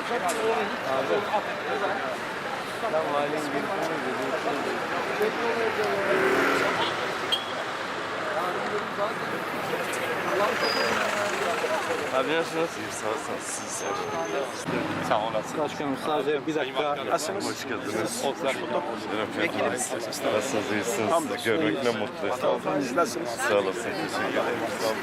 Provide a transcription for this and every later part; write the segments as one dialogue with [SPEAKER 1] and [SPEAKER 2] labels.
[SPEAKER 1] Abi nasılsınız? Sağ olun. Siz sağ olasın.
[SPEAKER 2] Başkanım sadece bir dakika.
[SPEAKER 1] Nasılsınız? Hoş geldiniz. Vekilimiz. Nasılsınız? İyisiniz. Görmek ne mutlu.
[SPEAKER 3] Siz nasılsınız?
[SPEAKER 1] Sağ olasın. Teşekkür ederim.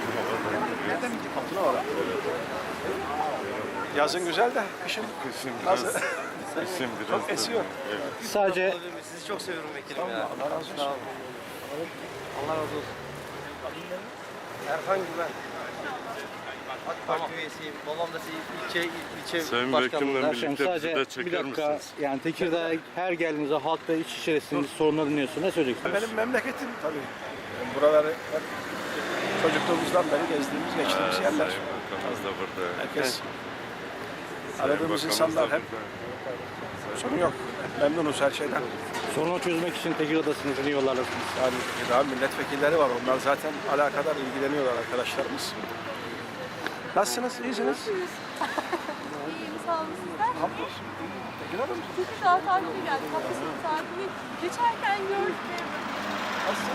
[SPEAKER 3] Yazın güzel de kışın
[SPEAKER 1] Kışın
[SPEAKER 3] nasıl?
[SPEAKER 1] biraz, kışın biraz
[SPEAKER 3] Çok esiyor.
[SPEAKER 2] Sadece
[SPEAKER 4] Sizi çok seviyorum vekilim ya.
[SPEAKER 3] Allah razı olsun.
[SPEAKER 4] Allah razı olsun.
[SPEAKER 3] Erhan Güven.
[SPEAKER 4] AK Parti üyesiyim. Babam da ilçe
[SPEAKER 1] Sayın
[SPEAKER 4] başkanlığı.
[SPEAKER 1] Vekilimle
[SPEAKER 2] Başkanım
[SPEAKER 1] birlikte
[SPEAKER 2] sadece
[SPEAKER 1] bizi de
[SPEAKER 2] bir
[SPEAKER 1] çeker
[SPEAKER 2] dakika.
[SPEAKER 1] misiniz?
[SPEAKER 2] Yani Tekirdağ'a her geldiğinizde halkla iç içerisiniz, sorunları dinliyorsun. Ne söyleyeceksiniz?
[SPEAKER 3] Benim memleketim tabii. Buraları hep çocukluğumuzdan beri gezdiğimiz, geçtiğimiz yerler.
[SPEAKER 1] Sayın Bakanımız da burada.
[SPEAKER 3] Herkes,
[SPEAKER 1] Sayın
[SPEAKER 3] aradığımız
[SPEAKER 1] Bakanımız
[SPEAKER 3] insanlar
[SPEAKER 1] da
[SPEAKER 3] hep
[SPEAKER 1] burada.
[SPEAKER 3] sorun yok. Memnunuz her şeyden.
[SPEAKER 2] Sorunu çözmek için Tekirdağ'dasınız, yeni yollardasınız.
[SPEAKER 3] Yani daha milletvekilleri var. Onlar zaten alakadar ilgileniyorlar arkadaşlarımız. Nasılsınız? İyisiniz?
[SPEAKER 5] İyiyim, sağ olun sizler.
[SPEAKER 3] Hamdolsun. Tekirdağ'da mısınız?
[SPEAKER 5] Tekirdağ tatile geldik. Hafta sonu tatili. Geçerken gördük.
[SPEAKER 3] Nasılsın?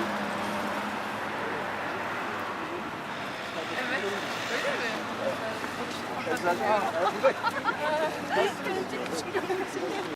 [SPEAKER 5] Evet. Öyle mi?
[SPEAKER 3] Eczacı. Ha, evet.